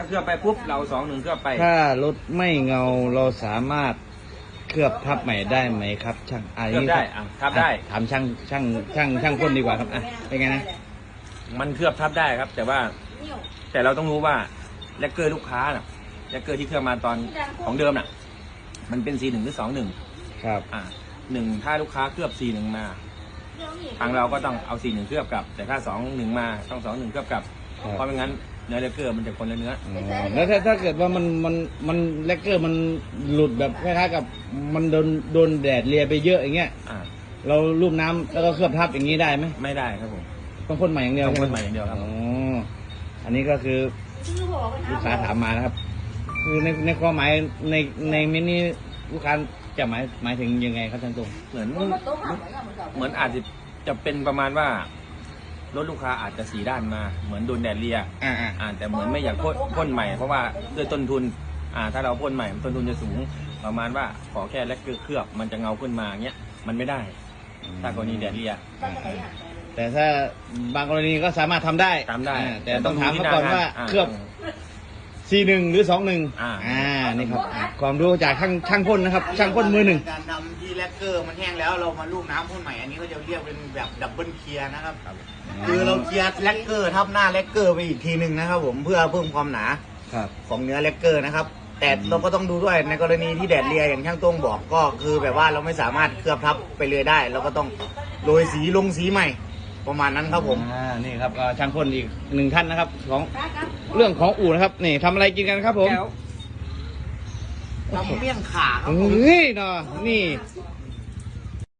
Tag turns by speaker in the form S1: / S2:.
S1: เคลือบไปปุ๊บเรา2-1เคลือบไป
S2: ถ้ารถไม่เงาเราสามารถเคลือบทับใหม่ได้ไหมครับช่าง
S1: เคลือบได้ทับได้
S2: ถามช่างพ่นดีกว่าครับเป็นไงนะ
S1: มันเคลือบทับได้ครับแต่เราต้องรู้ว่าแลกเกอร์ลูกค้าน่ะแลกเกอร์ที่เคลือบมาตอนของเดิมน่ะมันเป็นC1หรือ2-1
S2: ครับ
S1: 1ถ้าลูกค้าเคลือบC1มาทางเราก็ต้องเอาC1เคลือบกลับแต่ถ้า2-1มาต้อง2-1เคลือบกลับเพราะไม่งั้นเนื้อแลกเกอร์มันจะคนละเนื้อ
S2: แล้วถ้าเกิดว่ามันแลกเกอร์มันหลุดแบบคล้ายๆกับมันโดนแดดเลียไปเยอะอย่างเงี้ยเราลูบน้ำแล้วก็เคลือบทับอย่างนี้ได้ไหม
S1: ไม่ได้ครับผม
S2: ต้องพ่นใหม่อย่างเดียว
S1: ต้องพ่นใหม่อย่างเดียวครับ
S2: อันนี้ก็คือลูกค้าถามมานะครับคือในความหมายในมินิลูกค้าจะหมายถึงยังไงครับท่านตรง
S1: เหมือนอาจจะเป็นประมาณว่ารถลูกค้าอาจจะสีด้านมาเหมือนโดนแดดเลียแต่เหมือนไม่อยากพ่นใหม่เพราะว่าด้วยต้นทุนถ้าเราพ่นใหม่ต้นทุนจะสูงประมาณว่าขอแค่แลกเกอร์เคลือบมันจะเงาขึ้นมาเงี้ยมันไม่ได้ถ้ากรณีแดดเลีย
S2: แต่ถ้าบางกรณีก็สามารถทำได้แต่ต้องถามมาก่อนว่าเคลือบC1หรือ21นี่ครับความรู้จากช่างพ่นนะครับช่างพ่นมือหนึ่ง
S3: การทำที่แลกเกอร์มันแห้งแล้วเรามาลูบน้ำพ่นใหม่อันนี้ก็จะเรียกเป็นแบบดับเบิลเคลียร์นะครับคือเราเคลียร์แลกเกอร์ทับหน้าแลกเกอร์ไปอีกทีหนึ่งนะครับผมเพื่อเพิ่มความหนาของเนื้อแลกเกอร์นะครับแต่เราก็ต้องดูด้วยในกรณีที่แดดเลียอย่างช่างต้งบอกก็คือแบบว่าเราไม่สามารถเคลือบทับไปเลยได้เราก็ต้องโรยสีลงสีใหม่ประมาณนั้นครับผม
S2: นี่ครับก็ช่างพ่นอีก1ท่านนะครับของเรื่องของอู่นะครับนี่ทำอะไรกินกันครับผม
S3: ทำเมี่ยงข่าครับผม
S2: เฮ้ยเนาะนี่